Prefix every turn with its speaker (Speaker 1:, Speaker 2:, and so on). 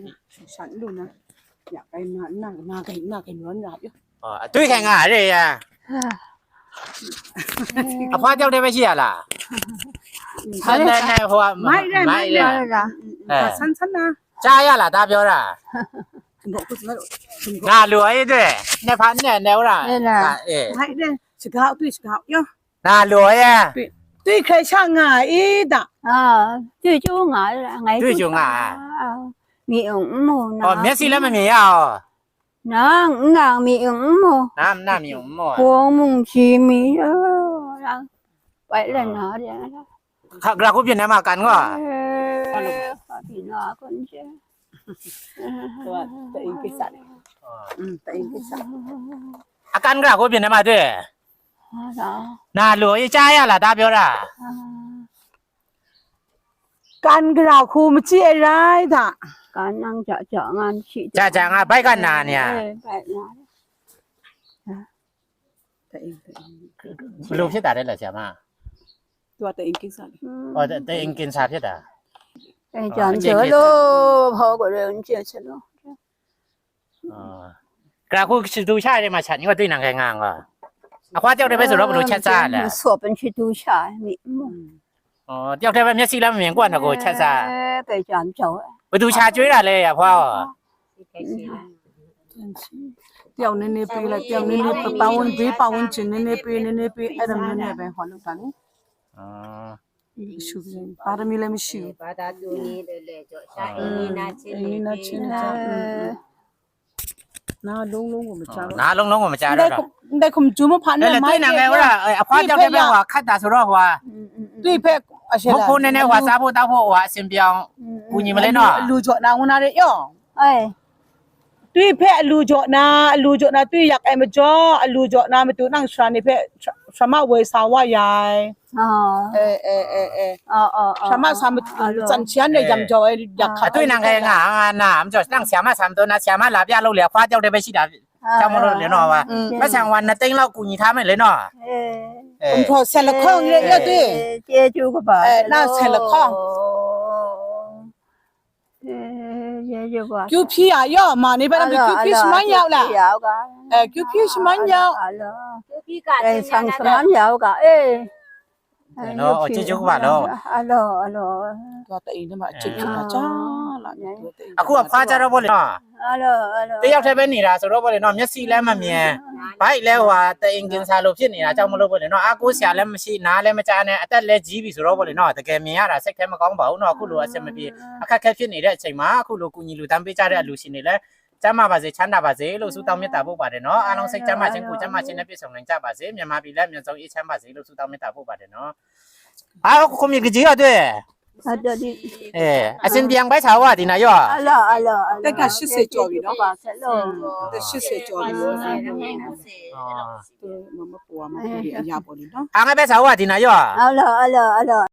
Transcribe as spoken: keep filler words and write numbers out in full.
Speaker 1: sẵn luôn nè dạ cái nó nó nó cái nó cái nó nó chứ
Speaker 2: ờ tuy cái ngà đây à à hoa tiêu đây bây giờ là này này hoa
Speaker 1: mai đây mai đây
Speaker 2: ờ
Speaker 1: sẵn sẵn à
Speaker 2: cha ya là ta biểu là
Speaker 1: ngộ cái gì đó
Speaker 2: ngà lúa ấy đấy này phán này nếu là
Speaker 1: mai đây chỉ gạo tuy chỉ gạo nhá
Speaker 2: ngà lúa ya
Speaker 1: tuy khai sang ngà ý đã
Speaker 3: à tuy chú ngà ngày
Speaker 2: tuy chú ngà
Speaker 3: mì ủng mồ
Speaker 2: ờ miễn xí lắm mà mì à
Speaker 3: nó ngà mì ủng mồ
Speaker 2: nam nam mì ủng mồ
Speaker 3: cuồng mùng chi mì đó vậy là nó đấy
Speaker 2: khác là có Việt Nam mà cắn quá
Speaker 3: thì nó con chứ
Speaker 1: tại cái sẵn ừ tại cái sẵn
Speaker 2: à cắn là có Việt Nam mà thế nà lúa ấy cha ya là ta biểu là
Speaker 1: can cái nào khu mà chia ra đã
Speaker 3: can năng chợ chợ ngan chị
Speaker 2: cha cha à bayกันนานเนี่ยลูกที่ตาได้เหรอใช่ไหม
Speaker 1: ตัวแต่เองกินสัตว์
Speaker 2: อ๋อแต่เองกินชาที่ตา
Speaker 3: ไอ้จอนเจอโลพอก็เรื่องเจอเชโล
Speaker 2: อ๋อกระกูดูชาได้มาฉันนี่ก็ด้วยนางแข่งงานว่ะอ่ะคว้าเจ้าได้ไปสุดแล้วรู้ชัดซ่าแหละ
Speaker 3: สวบเป็นชิดูชามี
Speaker 2: อ๋อเจ้าได้ไปเมียซีแล้วเหมือนกวนนะกูชัดซ่า
Speaker 3: ไปจอนเจ้า
Speaker 2: ไปดูชาจุ้ยอะไรอ่ะพ่อ
Speaker 1: เดี๋ยวนี่นี่ไปละเดี๋ยวนี่นี่ไปป่าวน์ไปป่าวน์จีนนี่นี่ไปนี่นี่ไปไอ้เรื่องนี้ไปหัวลูกตานี่อ๋อชูเลยปาร์มีเลยไม่ชูปาร์ตาดูนี่เลยเลยจ่อชาอินี่นาชินอินี่นาชินจ้าน้าลงลงก็ไม่จ้า
Speaker 2: น้าลงลงก็ไม่จ้าแล้ว
Speaker 1: ได้คุมจูมาผ่านเนี่ย
Speaker 2: ไม่ได้นางไงวะเออพ่อเจ้าได้ไปว่าคัดตาสุรหัว
Speaker 1: ด้วยเพ่
Speaker 2: พวกคุณในหัวซาบูตาพวกหัวเสียงเปียงกูยิงมาเลยเนาะ
Speaker 1: ลูจ่อนางวันนั้นเลยย่อ
Speaker 3: เอ้
Speaker 1: ด้วยเพ่ลูจ่อนาลูจ่อนาด้วยอยากไอ้มาจ่อลูจ่อนาไม่ตัวนั่งชานี่เพ่สามารถเวสาวายาย
Speaker 3: อ๋อ
Speaker 1: เออเออเออเออ
Speaker 3: อ๋ออ๋อ
Speaker 1: สามารถสามารถจันเชียนเนี่ยยำจ่ออยากขัด
Speaker 2: ด้วยนางแข่งงานน้ำจ่อนั่งเสียมาสามตัวนะเสียมาหลับยาเราเหลือคว้าเจ้าได้ไปชิดาเจ้ามาเราเหลือเนาะวะไม่ช่างวันนะเต็งเรากูยิงท้าไม่เลยเนาะ
Speaker 1: ผมพอเซลล์ข้องเยอะๆด้วย
Speaker 3: เจ้าจูก็บอก
Speaker 1: เออน่าเซลล์ข้องကျူဖြီရရောမာနေပါလားကျူဖြီစမန်ရောက်လားအဲကျူဖြီစမန်ရောက်
Speaker 3: ကျူဖြီကအဲဆန်စမန်ရောက်ကအေး
Speaker 2: နော်အချစ်ချူပါတော့
Speaker 3: အလောအလော
Speaker 1: တော့တိန်ထဲမှာအချစ်ချူတာကြာလာ
Speaker 2: အခုကဖွားကြတော့ဗောလေနော်
Speaker 3: အလောအလော
Speaker 2: တယောက်တည်းပဲနေတာဆိုတော့ဗောလေနော်မျက်စိလည်းမမြင်ဘိုက်လည်းဟွာတအင်ကင်စာလို့ဖြစ်နေတာကြောင့်မလို့ဗောလေနော်အကူဆရာလည်းမရှိနားလည်းမကြားနဲ့အသက်လည်းကြီးပြီဆိုတော့ဗောလေနော်တကယ်မြင်ရတာစိတ်ထဲမကောင်းပါဘူးနော်အခုလိုအဆက်မပြေအခက်ခဲဖြစ်နေတဲ့အချိန်မှာအခုလိုကူညီလူတန်းပေးကြတဲ့အလူရှင်တွေလည်းကျမ်းမာပါစေချမ်းသာပါစေလို့ဆုတောင်းမေတ္တာပို့ပါတယ်နော်အားလုံးစိတ်ကျမ်းမာခြင်းကိုကျမ်းမာခြင်းနဲ့ပြည့်စုံနိုင်ကြပါစေမြန်မာပြည်လည်းမြန်ဆုံးအေးချမ်းပါစေလို့ဆုတောင်းမေတ္တာပို့ပါတယ်နော်အားကိုမြကြီးရတယ်
Speaker 3: ဟုတ်တယ်ဒီ
Speaker 2: အဲအစင်ပြန်ပဲချာဝဒီနာရော
Speaker 3: အလောအလော
Speaker 1: တက်က၈၀ကျော်ပြီနော်
Speaker 3: ပါဆက်လို့
Speaker 1: တက်၈၀ကျော်ပြီနော်မမပွားမပွားအရာပေါ်လေနော်
Speaker 2: အားငယ်ပဲချာဝဒီနာရော
Speaker 3: အလောအလောအလော